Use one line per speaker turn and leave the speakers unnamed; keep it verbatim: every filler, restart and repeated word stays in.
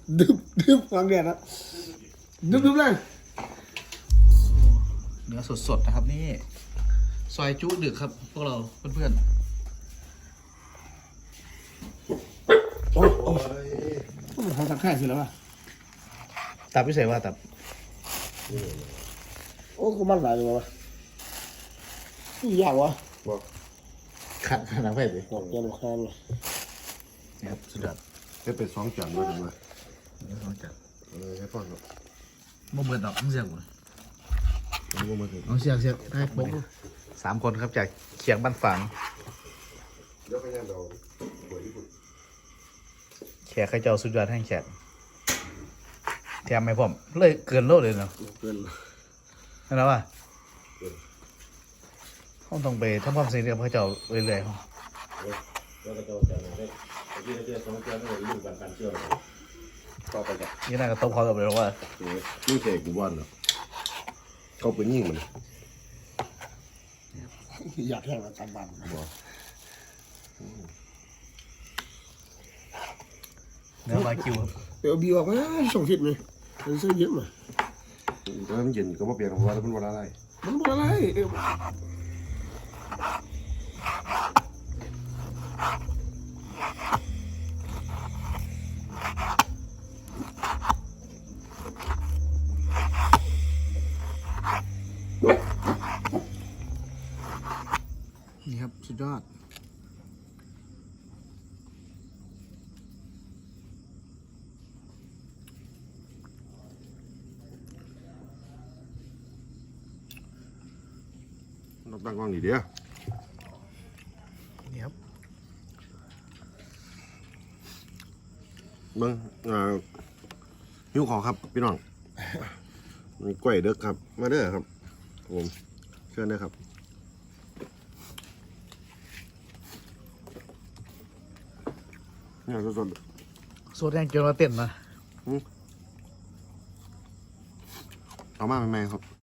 ดึบดึบวางแดดนะดึบดึบเลย
เนื้อสดๆนะครับนี่ซอยจุดึกครับพวกเราเพื่อนๆ
โอ้ยโอ้ยมันทำสังขารสิแล้วป่ะ
ตับพิเศษว่าตับ
โอ้กูมันหลายเลยวะนี่ยากวะ
บอกขัดขนาดไหนดิ
หอกแกนข้ามเลย
นี่ครับสุดยอด
ได้เป็นสองจานด้วยถูกไหม
นี่สองจาน
เออให้ฟังครับ
บ่เบิดดอกต้องเสียงหมด
ผมก็มาถึง
เอาเสียงเสียงให้ปุ๊บสามคนครับจากเขียงบ้านฝาง
เดี๋ยวไปงานเราเปิดญี่ปุ่น
แขกใครเจ้าสุดยอดแห่งแขกแถมไม่พร้อมเลยเกินโลดเลยเนาะ
เกิน
นั่นแล้วว่ะเขาต้องไปทำความเสียงเรียบพระเจ้าเรื่อยๆ
แล้วก็จะจะได้ที่เราจะสองเจ้าไม่ได้ยุ่งกันกันเชื่อมต่อไปจ้ะ
นี่น่าจะตบเขาต่อไปหรอว่า
นี่เสกกูวันเหรอเขาเป็นยิ่งมัน
อยากแข่งกับการบัน
เนื้อวากิวครับ
เดี๋ยวบีออกมาส่งทิศเลยมันซื้อเยอะมา
ตอนนั้นเย็นก็มาเปลี่ยนของว่าแล้วมันวันอะไร
มันวันอะไรเออนี่ครับสุดยอด
เราตั้งกล้องดีเดียว
นี่ครับ
เบิ้งอ่าหิวขอครับพี่น้องมีกล้วยเด็กครับมาเด้อครับผมเชิญเด้อครับเนี่ยสด
โซดแดงเกี่ยวมาเต้นนะ
ๆเอามาแม่ครับ